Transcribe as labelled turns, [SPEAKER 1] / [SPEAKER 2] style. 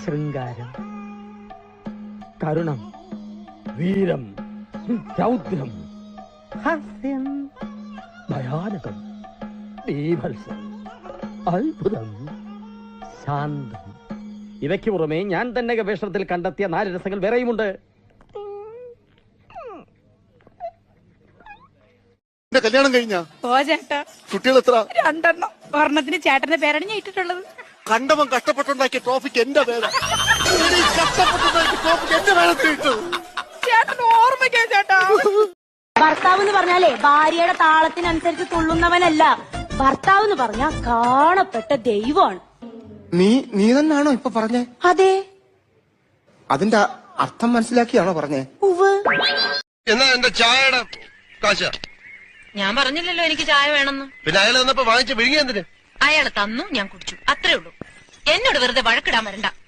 [SPEAKER 1] ശൃംഗാരം, കരുണം, വീരം, രൗദ്രം, ഹാസ്യം, ഭയാനകം, ബീഭത്സം, അത്ഭുതം, ശാന്തം. ഇവയ്ക്ക് പുറമെ ഞാൻ തന്നെ ഗവേഷണത്തിൽ കണ്ടെത്തിയ 4 രസങ്ങൾ വേറെയുമുണ്ട്.
[SPEAKER 2] കല്യാണം കഴിഞ്ഞ
[SPEAKER 3] ചേട്ടാ
[SPEAKER 2] കുട്ടികൾ എത്ര?
[SPEAKER 3] 2 ഒരെണ്ണത്തിന് ചേട്ടന്റെ പേരാണ് ഞാൻ ഇട്ടിട്ടുള്ളത്.
[SPEAKER 2] കണ്ടവൻ കഷ്ടപ്പെട്ടുണ്ടാക്കിയ ട്രോഫിക്ക് എന്റെ പേരാ. കഷ്ടപ്പെട്ടുണ്ടാക്കിയ ട്രോഫിക്ക് എന്റെ പേരത്തിട്ടു.
[SPEAKER 3] ചേട്ടൻ ഓർമ്മിക്കാൻ ചേട്ടാ.
[SPEAKER 4] ഭർത്താവ് എന്ന് പറഞ്ഞാലേ ഭാര്യയുടെ താളത്തിനനുസരിച്ച് തുള്ളുന്നവനല്ല. ഭർത്താവ് എന്ന് പറഞ്ഞാൽ കാണപ്പെട്ട ദൈവമാണ്.
[SPEAKER 5] നീ തന്നെയാണോ ഇപ്പൊ പറഞ്ഞേ?
[SPEAKER 4] അതെ.
[SPEAKER 5] അതിന്റെ അർത്ഥം മനസ്സിലാക്കിയാണോ പറഞ്ഞേ?
[SPEAKER 4] ഉവ്.
[SPEAKER 2] എന്നാ എന്റെ ചായയുടെ കാശ?
[SPEAKER 6] ഞാൻ പറഞ്ഞില്ലല്ലോ എനിക്ക് ചായ വേണമെന്ന്.
[SPEAKER 2] പിന്നെ അയാൾ വന്നപ്പോ വാങ്ങിച്ച് വിഴുങ്ങിയെന്തിന്?
[SPEAKER 6] അയാൾ തന്നു, ഞാൻ കുടിച്ചു, അത്രേ ഉള്ളൂ. എന്നോട് വെറുതെ വഴക്കിടാൻ വരണ്ട.